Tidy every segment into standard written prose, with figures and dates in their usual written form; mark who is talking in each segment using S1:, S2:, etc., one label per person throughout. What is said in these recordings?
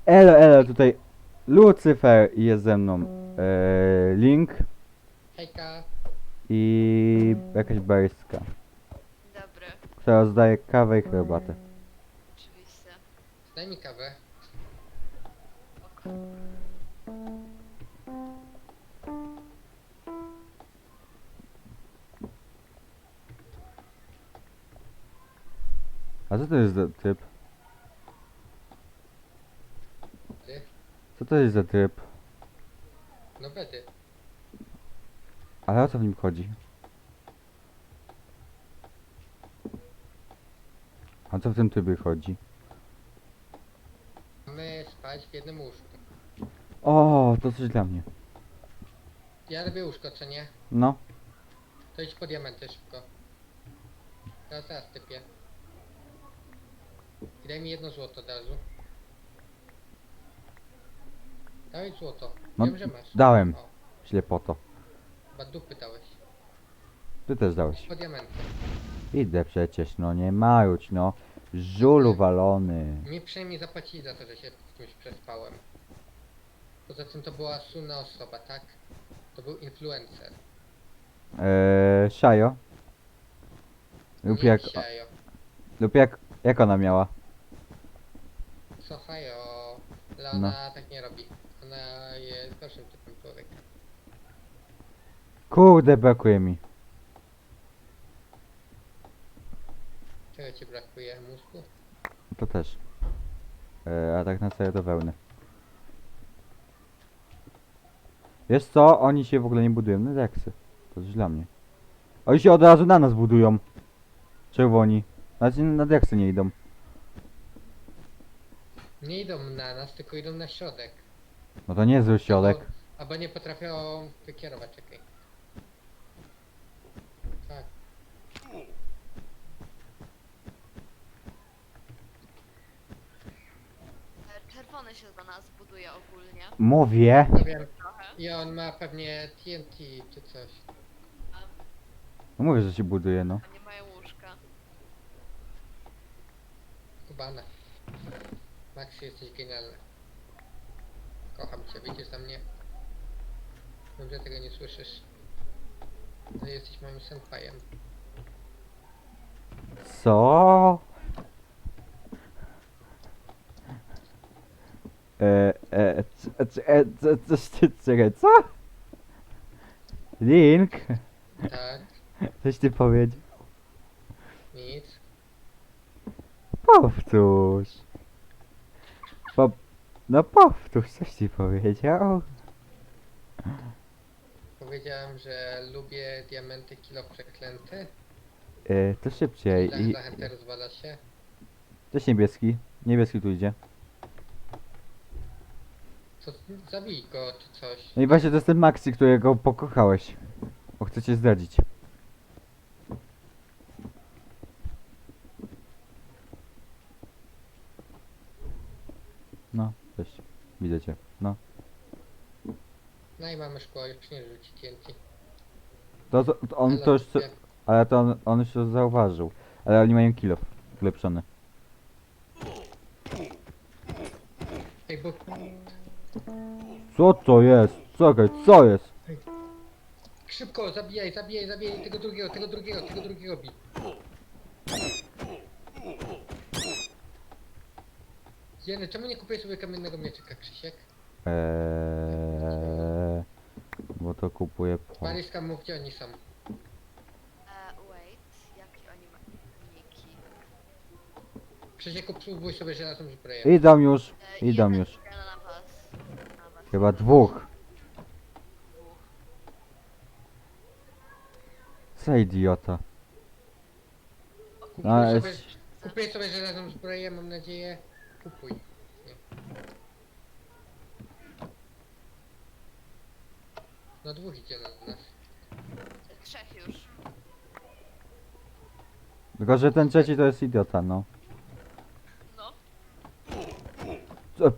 S1: Elo, tutaj Lucyfer jest ze mną. Link
S2: Hejka.
S1: i jakaś baryska,
S3: Dobry,
S1: która rozdaje kawę i herbatę.
S3: oczywiście.
S2: Daj mi kawę.
S3: Ok.
S1: A co to jest za typ?
S2: Ty?
S1: Co to jest za typ?
S2: No bedy.
S1: Ale o co w nim chodzi? A co w tym typie chodzi?
S2: Mamy spać w jednym łóżku.
S1: O, to coś dla mnie.
S2: Ja robię łóżko, co nie?
S1: No.
S2: To idź po diamenty szybko. Zaraz typię. I daj mi 1 złoto od razu. Daj złoto.
S1: No,
S2: Wiem, że masz.
S1: dałem.
S2: O,
S1: Ślepoto.
S2: chyba dupy dałeś.
S1: Ty też dałeś.
S2: Po diamenty.
S1: Idę przecież, no nie maruć, no. Żulu walony.
S2: Mi przynajmniej zapłacili za to, że się w kimś przespałem. Poza tym to była słynna osoba, tak? To był influencer.
S1: Shayo. Lub
S2: Nie
S1: jak,
S2: Xiaoyo.
S1: jak ona miała?
S2: Słuchaj, ale ona tak nie robi. Ona jest gorszym typem człowieka.
S1: Kurde, brakuje mi.
S2: Czego ci brakuje? Mózgu?
S1: To też. A tak na serio to wełny. Wiesz co? Oni się w ogóle nie budują na deksy. To coś dla mnie. Oni się od razu na nas budują. Czerwoni. Znaczy na deksy nie idą.
S2: Nie idą na nas, tylko idą na środek.
S1: No to nie zły środek.
S2: Albo nie potrafią wykierować, czekaj. Tak.
S3: Czerwony się do nas buduje ogólnie.
S1: Mówię.
S2: No wiem.
S3: Trochę.
S2: I on ma pewnie TNT czy coś.
S1: No mówię, że się buduje, no.
S3: A nie mają łóżka.
S2: Kubana. Maxi, jesteś genialny. Kocham cię, widzisz na mnie? Wiem, że tego nie słyszysz. Ale jesteś moim senpajem.
S1: Co? Czekaj, co? Link?
S2: Tak,
S1: Coś ty powiedział?
S2: nic.
S1: Powtórz. No powtórz, coś ci powiedział?
S2: Powiedziałem, że lubię diamenty kilo przeklęty.
S1: To szybciej.
S2: I zachętę rozwala się.
S1: Cześć niebieski. Niebieski tu idzie.
S2: Co, zabij go czy coś.
S1: No i właśnie to jest ten Maxi, którego pokochałeś. Bo chcę cię zdradzić. No, cześć. Widzę cię. No.
S2: No i mamy szkło, już nie rzuci TNT.
S1: To on
S2: Ale
S1: to już...
S2: kupię.
S1: Ale to on już to zauważył. Ale oni mają kill ulepszony.
S2: Ej, bo
S1: Co to jest? Czekaj, co jest?
S2: szybko, zabijaj tego drugiego bij. Jeny, czemu nie kupię sobie kamiennego mieczyka, Krzysiek?
S1: Bo to kupuję po...
S2: Maryska, mów gdzie oni są.
S3: Wait, jakie oni mają niki?
S2: Krzysiek, spróbuj sobie żelazną zbroję.
S1: Idą już, idą
S3: Jeden
S1: już.
S3: idzie na was. Na was.
S1: Chyba dwóch.
S3: Dwóch.
S1: Co idiota.
S2: Kupuj
S1: A,
S2: sobie,
S1: jest...
S2: kupuję sobie żelazną zbroję, mam nadzieję. Kupuj. Nie. No dwóch idzie na nas.
S3: Trzech już.
S1: Tylko, że ten trzeci to jest idiota, no.
S3: No.
S1: Co?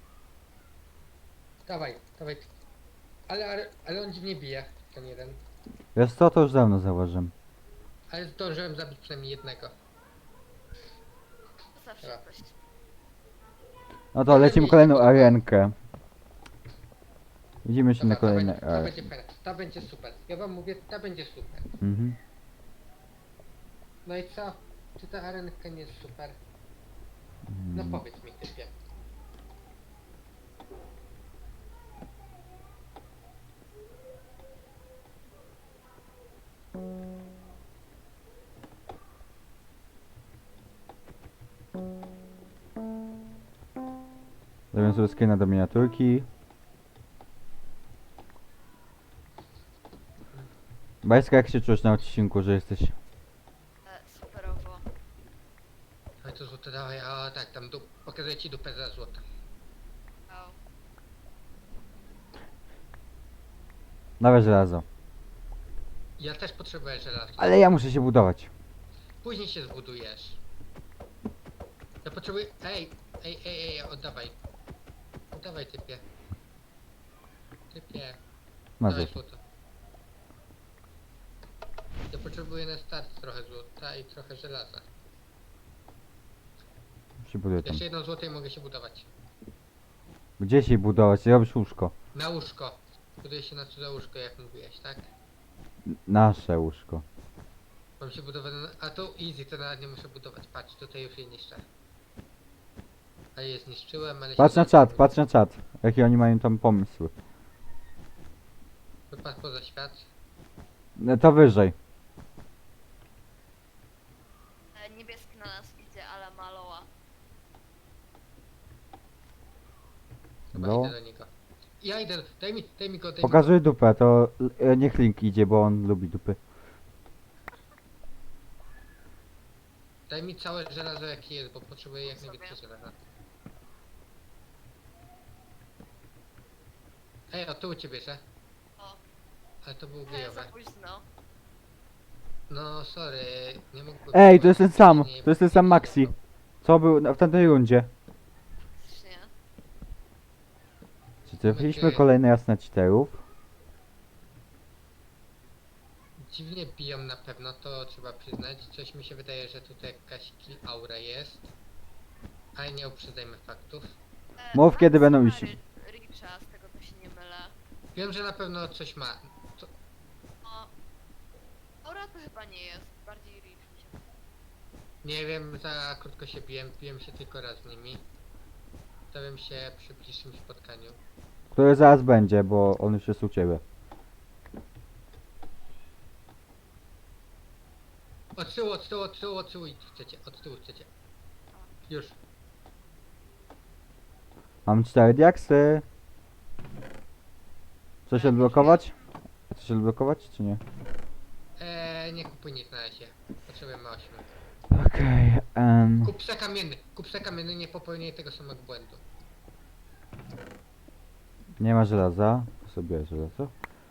S2: Dawaj. Ale on dziwnie bije, ten jeden.
S1: Wiesz co, to już dawno zauważyłem.
S2: Ale zdążyłem zabić przynajmniej jednego.
S3: Zawsze
S2: Dobra.
S3: coś.
S1: No to lecimy kolejną arenkę. Widzimy się na
S2: Dobra,
S1: kolejnej
S2: to
S1: arence.
S2: będzie fajne. To będzie super. Ja wam mówię, to będzie super.
S1: Mhm.
S2: No i co? Czy ta arenka nie jest super? No powiedz mi typie.
S1: Zrobię sobie screena do miniaturki. Bajska, jak się czujesz na odcinku, że jesteś...
S3: Superowo.
S2: Ale to złoto dawaj, a tak, tam pokazuję ci dupę za złoto.
S3: Wow.
S1: Dawaj żelazo.
S2: Ja też potrzebuję żelaza.
S1: Ale ja muszę się budować.
S2: Później się zbudujesz. Ja potrzebuję... Ej, oddawaj. Oddawaj typie. Typie.
S1: Masz
S2: Dawaj
S1: już.
S2: złoto. Ja potrzebuję na start trochę złota i trochę żelaza.
S1: Się buduję tam.
S2: Jeszcze jedno złoto i mogę się budować.
S1: Gdzie się budować? Robisz łóżko.
S2: Na łóżko. Buduję się na cudze łóżko, jak mówiłeś, tak?
S1: Nasze łóżko.
S2: Mam się budować na... A tu easy, to nawet nie muszę budować. Patrz, tutaj już je niszczę. A je zniszczyłem, ale...
S1: Patrz
S2: się
S1: na czat, patrz na czat. Jakie oni mają tam pomysły.
S2: Wypadł poza świat.
S1: No to wyżej.
S3: Niebieski na nas idzie, ale maloła.
S2: Chyba
S1: No.
S2: idę do niego. Ja idę, daj mi go, daj mi go.
S1: Pokazuj dupę, to niech Link idzie, bo on lubi dupy.
S2: Daj mi całe żelazo jakie jest, bo potrzebuję jak
S3: Sobie.
S2: najwięcej żelaza. Ej, o tu u ciebie, że?
S3: O,
S2: Ale to był
S3: za
S2: gejowe.
S3: późno.
S2: No sorry, nie mógłbym...
S1: Ej, to jest ten sam,
S2: Nie,
S1: to jest ten sam Maxi. Co był w tamtej rundzie?
S3: Faktycznie.
S1: Czy trafiliśmy kolejne jasne cheaterów?
S2: Dziwnie biją na pewno, to trzeba przyznać. Coś mi się wydaje, że tutaj jakaś kill aura jest. Ale nie uprzedzajmy faktów.
S1: Mów, kiedy będą
S3: ma
S1: iść.
S3: Richa, z tego to się nie mylę.
S2: Wiem, że na pewno coś ma. To...
S3: O, Aura to chyba nie jest, bardziej Rich mi się.
S2: Nie wiem, za krótko się biłem się tylko raz z nimi. Stawiam się przy bliższym spotkaniu.
S1: Który zaraz będzie, bo on już jest u ciebie.
S2: Od tyłu chcecie, od tyłu chcecie. Już.
S1: Mam 4 diaksy. Coś odblokować? Coś odblokować, czy nie?
S2: Nie kupuj nic na razie. Potrzebujemy 8.
S1: Okej,
S2: Kup se kamienny, nie popełniaj tego samego błędu.
S1: nie ma żelaza. To sobie żelazo.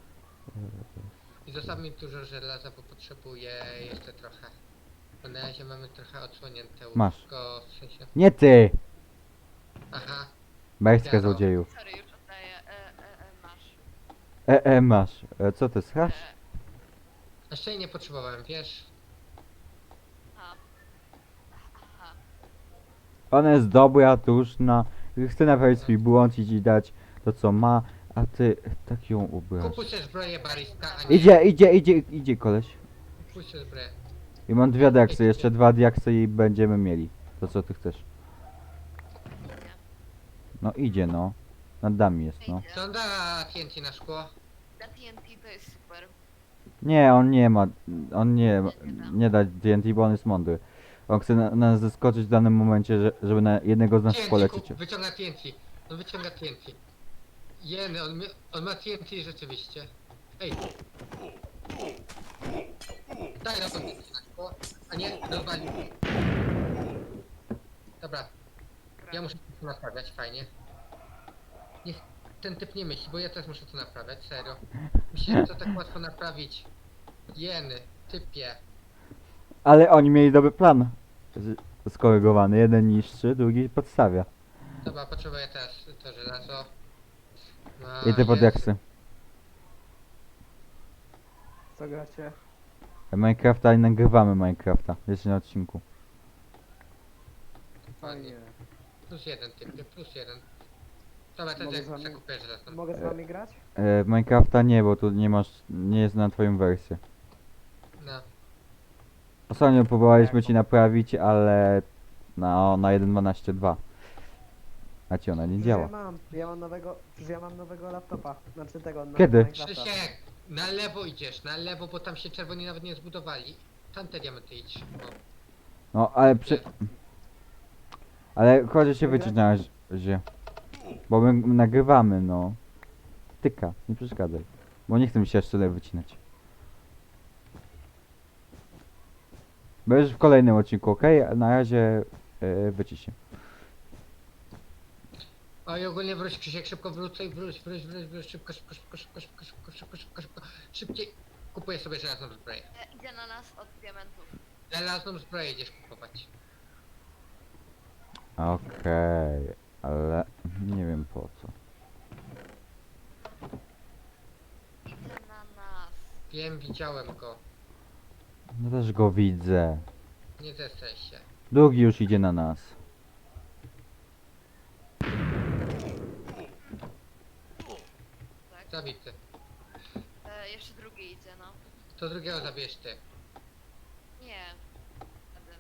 S2: I zostaw mi dużo żelaza, bo potrzebuję jeszcze trochę. Bo na razie mamy trochę odsłonięte
S1: Masz.
S2: łóżko, w sensie...
S1: Nie ty!
S2: Aha,
S1: Bajska
S2: Ja to.
S1: złodzieju.
S3: Sorry, już oddaję. Masz.
S1: Masz. Co ty schasz?
S2: jeszcze jej nie potrzebowałem, wiesz?
S3: A. Aha.
S1: Ona jest dobra, tuszna. Chce naprawić swój błąd i ci dać to co ma, a ty tak ją ubrasz.
S2: Kupuj sobie zbroję barista, a nie...
S1: Idzie koleś.
S2: Kupuj sobie zbroję.
S1: I mam 2 diaksy, jeszcze 2 diaksy i będziemy mieli. To co ty chcesz?
S3: Nie.
S1: No idzie no. Nad nami jest no.
S2: Co on da TNT na szkło?
S3: Na TNT to jest super.
S1: Nie, on nie ma. On nie da TNT, bo on jest mądry. On chce nas zaskoczyć w danym momencie, żeby na jednego z nas polecić.
S2: Wyciąga TNT. On wyciąga TNT. Jeny, on ma TNT rzeczywiście. Ej! Daj na to TNT na szkło, a nie rozwalił. Dobra, ja muszę to naprawiać, fajnie. Niech ten typ nie myśli, bo ja też muszę to naprawiać, serio. Myślę, że to tak łatwo naprawić. Jeny, typie.
S1: Ale oni mieli dobry plan. Skorygowany. Jeden niszczy, drugi podstawia.
S2: Dobra, potrzebuję teraz to żelazo. No,
S1: I ty pod
S2: jest.
S1: diaksy.
S4: Co gracie?
S1: Minecrafta i nagrywamy Minecrafta. Jeszcze na odcinku.
S4: Fajnie.
S2: plus jeden typie, plus jeden. Dobra, to
S4: Mogę
S2: jak
S4: z wami-
S2: zakupię raz tam.
S4: Mogę z wami grać?
S1: W Minecrafta nie, bo tu nie masz, nie jest na twoją wersję.
S2: No.
S1: Ostatnio próbowaliśmy
S4: Jak?
S1: ci naprawić, ale na 1.12.2. A ci ona nie
S4: Przecież
S1: działa.
S4: przecież ja mam nowego laptopa. Znaczy tego, na
S1: Kiedy?
S4: Minecrafta.
S2: Krzysiek, na lewo idziesz, na lewo, bo tam się czerwoni nawet nie zbudowali. Tam te diamenty idź. O.
S1: No, ale Ale chodź się
S4: Wygrać?
S1: wyciąć na razie. Bo my nagrywamy, no. Tyka, nie przeszkadzaj. Bo nie chcę mi się jeszcze tyle wycinać. Będziesz w kolejnym odcinku, ok? Na razie wycisz się.
S2: O i ogólnie wróć Krzysiek, szybko wrócę i wróć, szybko, szybko. Szybciej. Kupuję sobie żelazną zbroję.
S3: Idzie na nas od diamentów.
S2: Żelazną zbroję idziesz kupować.
S1: Okej, ale nie wiem po co.
S3: Idzie na nas.
S2: Wiem, widziałem go.
S1: No też go widzę.
S2: Nie zestraj się.
S1: Drugi już idzie na nas.
S3: Tak?
S2: Zabity.
S3: Jeszcze drugi idzie, no.
S2: To drugiego zabierz ty.
S3: Nie. Wtedy.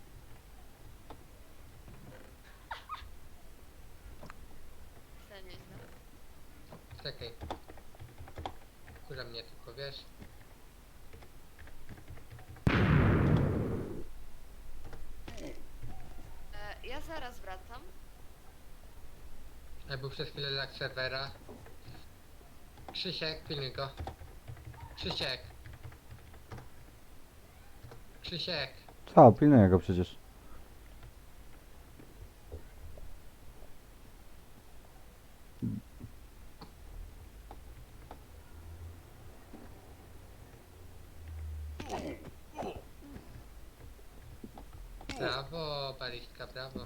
S3: To nieźle.
S2: Czekaj. Kurza mnie tylko, wiesz.
S3: Ja zaraz wracam.
S2: Ja był przez chwilę lag serwera. Krzysiek, pilnuj go. Krzysiek. Krzysiek.
S1: Co, pilnuję go przecież.
S2: Brawo, balistka, brawo.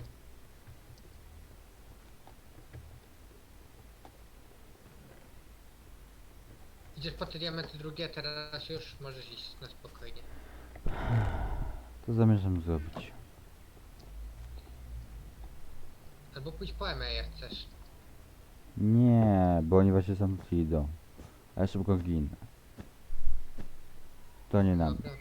S2: Idziesz po te diamenty drugie, teraz już możesz iść na spokojnie.
S1: To zamierzam zrobić.
S2: Albo pójdź po EME jak chcesz.
S1: Nie, bo oni właśnie sam tu idą. A ja szybko ginę. To nie na mnie.
S2: Dobra.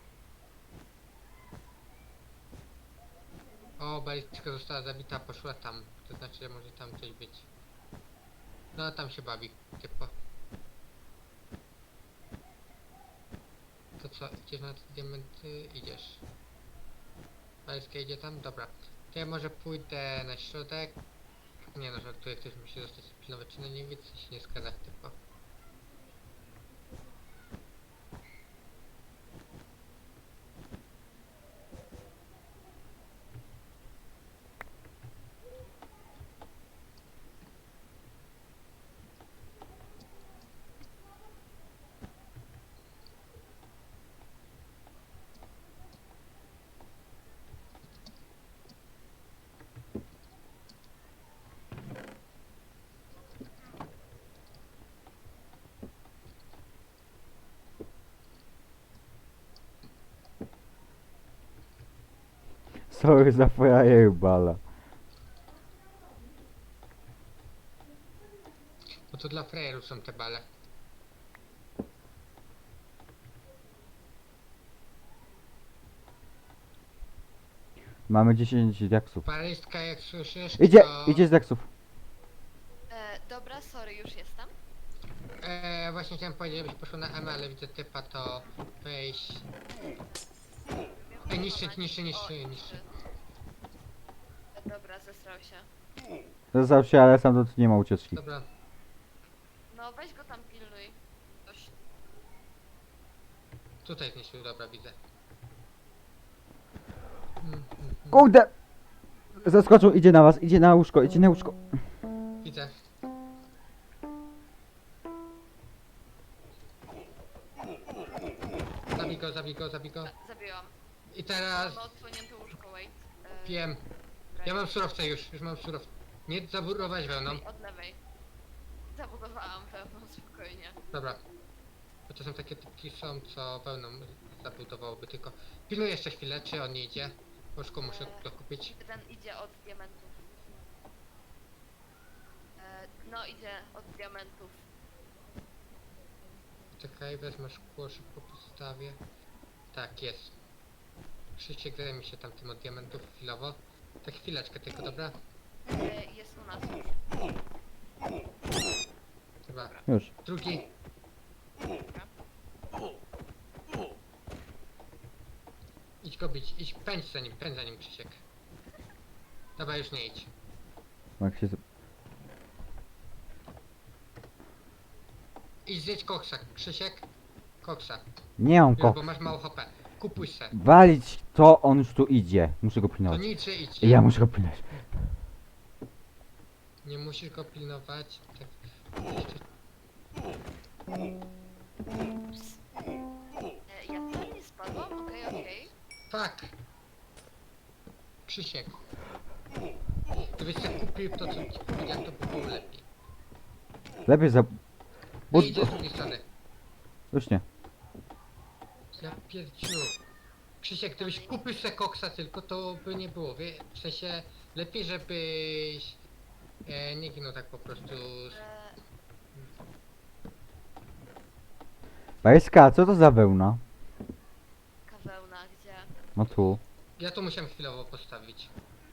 S2: O, balistka została zabita, poszła tam. To znaczy, że może tam coś być. No, tam się bawi, typo. To co, idziesz na te diamenty? Idziesz. Balistka idzie tam? Dobra. To ja może pójdę na środek. Nie no, żartuję, ktoś musi zostać pilnowy, czy na niewicy się nie zgadza, typo.
S1: Sorry za frajerbala.
S2: Bo to dla frajerów są te bale.
S1: Mamy 10 diaksów.
S2: Balistka, jak słyszysz,
S1: Idzie,
S2: to...
S1: idzie z diaksów.
S3: Dobra, sorry, już jestem.
S2: Właśnie chciałem powiedzieć, żebyś poszło na M, ale widzę typa, to weź...
S3: Wiem,
S2: niszczyć,
S3: pokonać.
S2: niszczy.
S3: Dobra, zesrał się.
S1: Zastał się, ale sam tu nie ma ucieczki.
S2: Dobra,
S3: No weź go tam pilnuj. Coś.
S2: tutaj zniszczył, dobra, widzę.
S1: Kurde! Zaskoczył, idzie na was, idzie na łóżko, idzie na łóżko.
S2: Widzę. Zabij go.
S3: Zabiłam.
S2: I teraz
S3: Mamy odsłonięte łóżko, wait.
S2: wiem. Ja mam surowce już mam surowce. Nie zaburować wełną.
S3: Od lewej. Zabudowałam wełną, spokojnie.
S2: Dobra. Bo to są takie typki są, co wełną zabudowałoby tylko. Pilnuję jeszcze chwilę, czy on nie idzie. Łóżko muszę dokupić.
S3: Ten idzie od diamentów. idzie od diamentów.
S2: Czekaj, wezmę szkło, szybko postawię. Tak, jest. Krzysiek zajmie się tam tym od diamentów chwilowo. Tak chwileczkę tylko, dobra?
S3: Jest u nas już.
S2: Chyba.
S1: Już.
S2: Drugi.
S3: Dobra.
S2: Idź go bić, idź, pędź za nim Krzysiek. Dobra, już nie idź.
S1: Jak się...
S2: Idź zjedź koksa, Krzysiek. Koksa.
S1: Nie mam
S2: Już,
S1: ko...
S2: bo masz mało HP. Kupuj se.
S1: Walić to, on już tu idzie. Muszę go
S2: To
S1: pilnować.
S2: nic, że idź.
S1: Ja muszę go pilnować.
S2: Nie musisz go pilnować. Tak. Jeszcze...
S3: Ja tutaj nie spadłam? Okej.
S2: Fuck! Krzysiek. Gdybyś sobie kupił to, co ci powiedziałem, to by było lepiej.
S1: Lepiej za... Bo...
S2: Ej, idzie z drugiej strony.
S1: Już nie.
S2: Ja pierdziu. Krzysiek, gdybyś kupił sobie koksa tylko, to by nie było, wie? W sensie, lepiej żebyś nie ginął tak po prostu.
S1: Bajska, co to za wełna?
S3: Kawełna, gdzie?
S1: No tu.
S2: Ja to musiałem chwilowo postawić.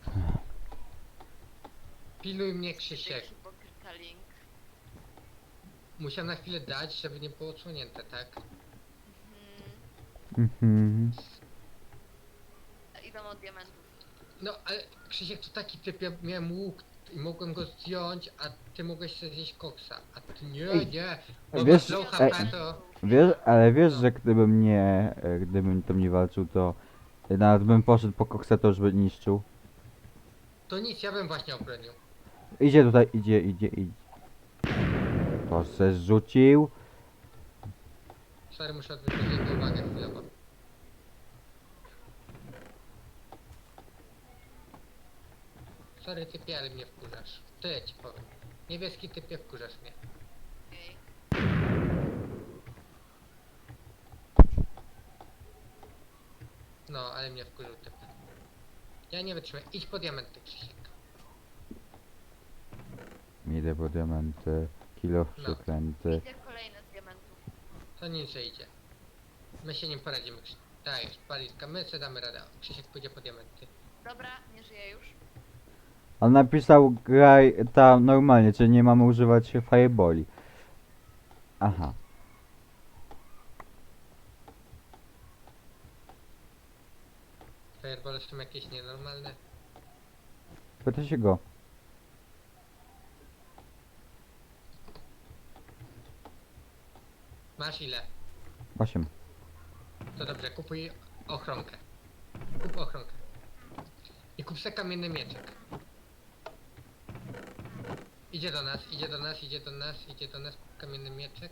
S2: Pilnuj mnie, Krzysiek.
S3: Hipokryta link.
S2: Musiałem na chwilę dać, żeby nie było odsłonięte, tak?
S1: Mhm.
S3: Idą od diamentów.
S2: No, ale Krzysiek to taki typ, ja miałem łuk i mogłem go zdjąć, a ty mogłeś sobie zjeść koksa. A ty nie, bo
S1: Wiesz,
S2: masz low
S1: ej.
S2: HP to...
S1: Wiesz, ale wiesz, że gdybym nie... Gdybym tam nie walczył, to... Nawet bym poszedł po koksa, to już by niszczył.
S2: To nic, ja bym właśnie obronił.
S1: Idzie tutaj, idzie. To se zrzucił.
S2: Sorry, muszę odwrócić jego uwagę chwilowo. Sorry typie, ale mnie wkurzasz. Tyle ci powiem. Niebieski typie, wkurzasz mnie.
S3: Okej.
S2: No, ale mnie wkurzył typ. Ja nie wytrzymam. Idź po diamenty, Krzysiek.
S1: Idę po diamenty. Kilo
S2: No.
S1: przeklęty.
S3: Idzie kolejny z diamentów.
S2: To nic, że idzie. My się nim poradzimy. Dajesz, palitka, my sobie damy radę. Krzysiek pójdzie po diamenty.
S3: Dobra, nie żyje już.
S1: On napisał graj tam normalnie, czyli nie mamy używać fireballi. Aha.
S2: Fireball są jakieś nienormalne.
S1: Pyta się go.
S2: Masz ile?
S1: 8.
S2: To dobrze, kupuj ochronkę. Kup ochronkę. I kup se kamienny mieczek. Idzie do nas, kup kamienny mieczek.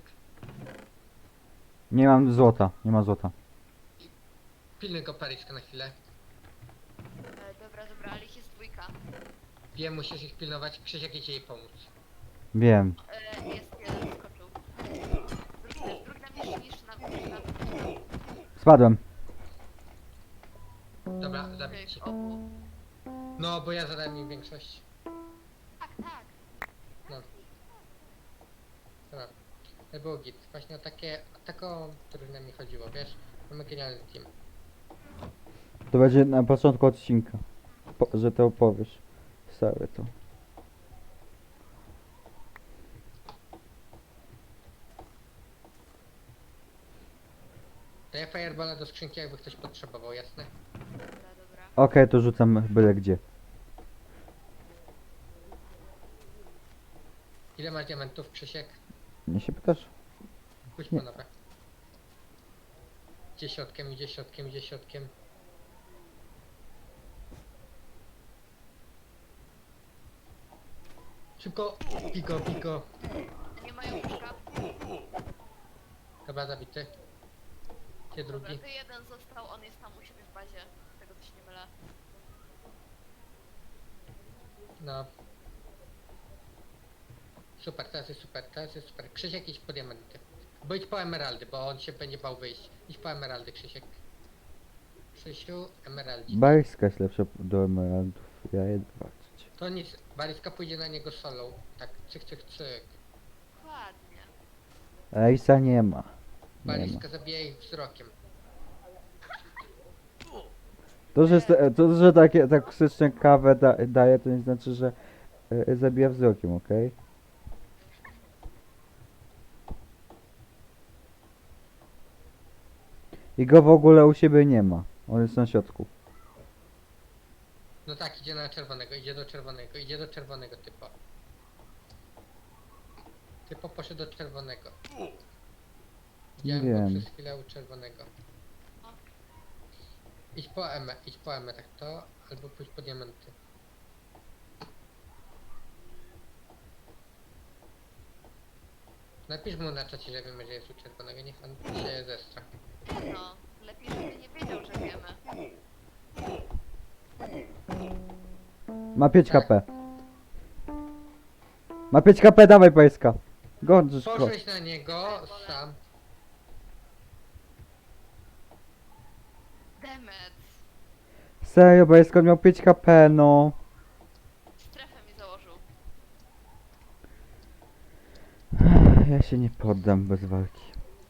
S1: Nie mam złota, nie ma złota.
S2: Pilnuj go Paryska na chwilę.
S3: Dobra, ale ich jest dwójka.
S2: Wiem, musisz ich pilnować, Krzysiek idzie jej pomóc.
S1: Wiem.
S3: Jest jeden skoczył. Drugi na mnie niż na
S1: Spadłem.
S2: Dobra, zabić.
S3: tych obu.
S2: No, bo ja zadałem im większość.
S3: Tak.
S2: Dobra. To było git. Właśnie o taką drużynę mi chodziło, wiesz? Mamy genialny team.
S1: To będzie na początku odcinka. Że to opowiesz. Całe to.
S2: Daję fireballa do skrzynki, jakby ktoś potrzebował, jasne?
S3: Dobra.
S1: Okej, to rzucam byle gdzie.
S2: Ile masz diamentów, Krzysiek?
S1: Nie się pytasz?
S2: Pójdź
S1: Nie.
S2: po nowe. Idzie środkiem. Szybko! Piko!
S3: Nie mają łóżka.
S2: Chyba zabity. Gdzie
S3: Dobra,
S2: drugi?
S3: to jeden został, on jest tam u siebie w bazie. Z tego co się nie mylę.
S2: No. Super, teraz jest super. Krzysiek, idź po diamenty. Bo idź po emeraldy, bo on się będzie bał wyjść. Idź po emeraldy, Krzysiek. Krzysiu, emeraldzi.
S1: Bajska jest lepsza do emeraldów. Ja jedę walczyć.
S2: To nic, Baliska pójdzie na niego solo. Tak, cyk, cyk, cyk.
S3: Dokładnie.
S1: Ejsa nie ma. Nie ma.
S2: Baliska zabija ich wzrokiem.
S1: To, że takie toksyczne kawę daje, to nie znaczy, że zabija wzrokiem, okej? I go w ogóle u siebie nie ma. On jest na środku.
S2: No tak, idzie na czerwonego, idzie do czerwonego, idzie do czerwonego typo. Typo poszedł do czerwonego. Widziałem go
S1: Wiem.
S2: przez chwilę u czerwonego. Idź po M, tak to, albo pójdź po diamenty. Napisz mu na czacie, że wiemy, że jest u czerwonego, niech on się zestra.
S3: No, lepiej, żeby nie wiedział, że wiemy.
S1: Ma 5
S2: Tak.
S1: HP. Ma 5 HP, dawaj pajska. Gądrzysz go.
S2: Poszłeś na niego sam.
S3: Demet.
S1: Serio, pajska miał 5 HP, no.
S3: Strefę mi założył.
S1: Ja się nie poddam bez walki.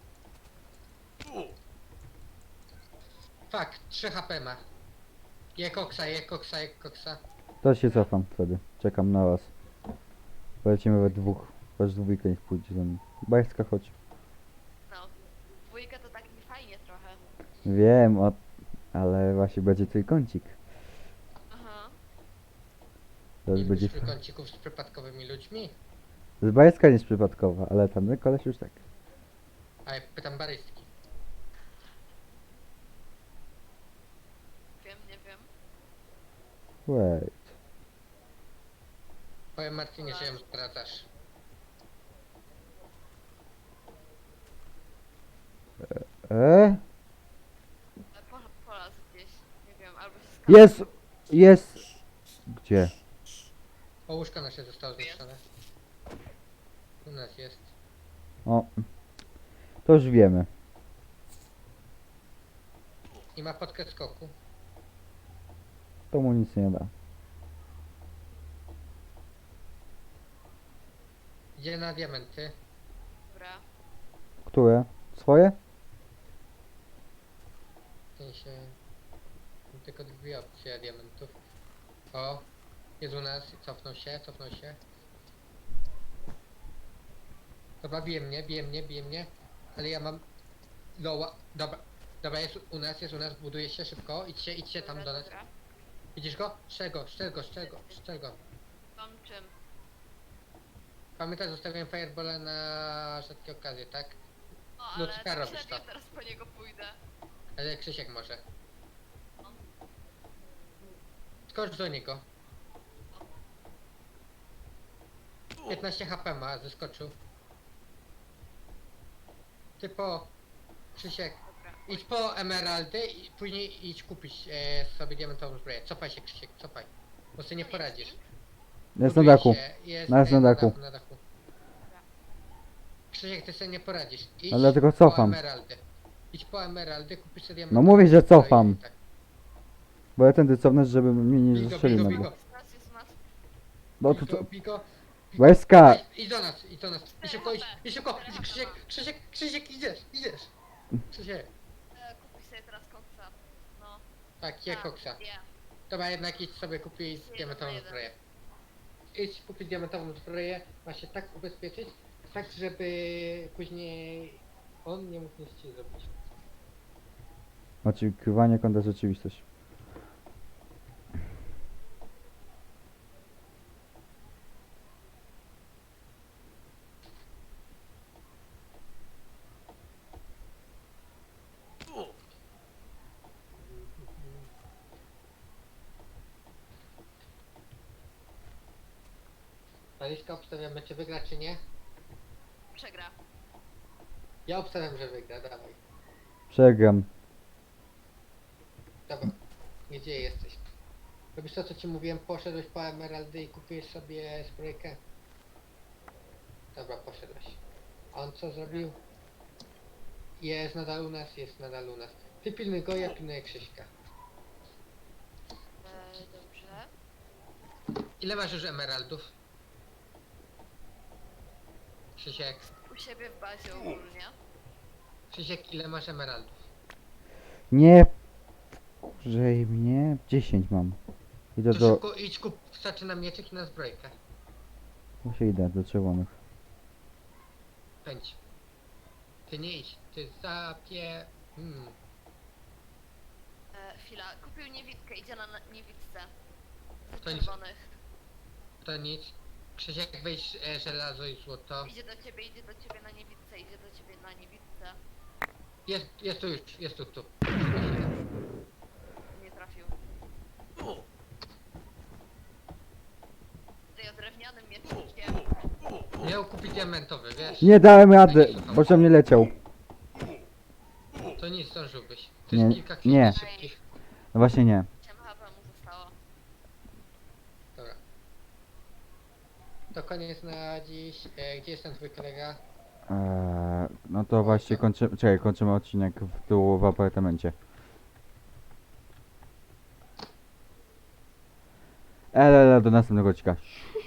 S2: Fuck, 3 HP ma. Je koksa, je koksa, je koksa.
S1: To się cofam wtedy. Czekam na was. Polecimy we dwóch. Wasz dwójka niech pójdzie za mną. Bajska, chodź.
S3: No. Dwójka to tak niefajnie trochę.
S1: Wiem, ale właśnie będzie trójkącik.
S3: Aha.
S1: To już
S2: Nie
S1: będzie...
S2: lubisz trójkącików z przypadkowymi ludźmi?
S1: Z bajska nie jest przypadkowa, ale ten koleś już tak.
S2: A ja pytam barystki.
S3: Wiem, nie wiem.
S1: Wait.
S2: Powiem Martinie, że ją zdradzasz.
S1: E?
S3: Polaz gdzieś. Nie wiem, albo się skapał.
S1: Jest! Jest! Gdzie?
S2: O, łóżko nasze zostało zniszczone. U nas jest.
S1: O. To już wiemy.
S2: I ma podkę skoku.
S1: To mu nic nie da.
S2: Idzie na diamenty.
S3: Dobra.
S1: Które? Swoje?
S2: W sensie... Mam tylko dwie opcje diamentów. O! Jest u nas, cofnął się, cofnął się. Dobra, bije mnie. Ale ja mam... Loła, dobra. Dobra, jest u nas, buduje się szybko. Idźcie tam
S3: Dobra,
S2: do nas.
S3: dobra.
S2: Widzisz go? Strzel go.
S3: Mam czym?
S2: Pamiętaj, zostawiłem fireballa na rzadkie okazje, tak?
S3: O,
S2: No,
S3: ale
S2: czeka robisz
S3: średnio
S2: to.
S3: teraz po niego pójdę.
S2: Ale Krzysiek może. Skocz do niego. 15 HP ma, zeskoczył. Typo... Krzysiek,
S3: Dobra.
S2: idź po emeraldy i później idź kupić sobie diamentową zbroję. Cofaj się Krzysiek, cofaj. Bo sobie nie poradzisz.
S1: Jest na
S2: Buduje
S1: dachu.
S2: się, Jest,
S1: No, jest na dachu.
S2: Na dachu. Krzysiek, ty sobie nie poradzisz. Idź
S1: Ale dlatego
S2: po
S1: cofam.
S2: emeraldy. Idź po emeraldy, kupisz sobie
S1: No
S2: diamentową
S1: mówię, że
S2: zbroję
S1: cofam.
S2: i tak.
S1: Bo ja tędy cofnę, żeby mnie nie
S2: Bigo,
S1: zastrzelił
S2: bigo,
S1: na
S2: bigo.
S1: dół.
S3: Jest u nas.
S1: No to co?
S2: Bigo.
S1: Bajska!
S2: Idź do nas. I szybko, Krzysiek, idziesz. Krzysiek.
S3: Kupić sobie teraz koksa. No.
S2: Tak, je koksa.
S3: Nie.
S2: Dobra, jednak idź sobie kupić
S3: Jeden
S2: diamentową
S3: na jeden.
S2: zbroję. Idź kupić diamentową zbroję, ma się tak ubezpieczyć, tak żeby później on nie mógł nic ci zrobić.
S1: Oczekiwanie kontra rzeczywistość.
S2: Aliska, obstawiamy, czy wygra, czy nie?
S3: Przegra.
S2: Ja obstawiam, że wygra, dawaj.
S1: Przegram.
S2: Dobra, gdzie jesteś? Robisz to, co ci mówiłem, poszedłeś po emeraldy i kupiłeś sobie zbrojkę? Dobra, poszedłeś. A on co zrobił? Jest nadal u nas. Ty pilnuj go, ja pilnuję Krzyśka.
S3: Dobrze.
S2: Ile masz już emeraldów? Krzysiek,
S3: U siebie w bazie ogólnie.
S2: Krzysiek, ile masz emeraldów?
S1: Nie. Kurzej mnie. 10 mam. Idę
S2: To
S1: do...
S2: szybko idź kup, starczy na mieczek i na zbrojkę.
S1: Muszę idę do czerwonych.
S2: Pędź. Ty nie idź, ty zapie...
S3: Chwila, kupił niewidkę, idzie na niewidce.
S2: To
S3: Z
S2: nic.
S3: czerwonych.
S2: To nic. Krzysiek, weź żelazo i złoto.
S3: Idzie do ciebie na niewidce, idzie do ciebie na niewidce.
S2: Jest tu już, jest tu.
S3: Nie trafił. Ty o drewnianym miecznikiem.
S2: Miał kupić diamentowy, wiesz?
S1: Nie dałem rady, bo się mnie leciał.
S2: To nic, zdążyłbyś. To
S1: Nie,
S2: jest kilka chwil
S1: nie.
S2: szybkich.
S1: No właśnie nie.
S3: 8 HP mu zostało.
S2: Dobra. To koniec na dziś. Gdzie jest ten twój kolega?
S1: No to właśnie kończymy, czekaj, kończymy odcinek tu w apartamencie. Do następnego odcinka.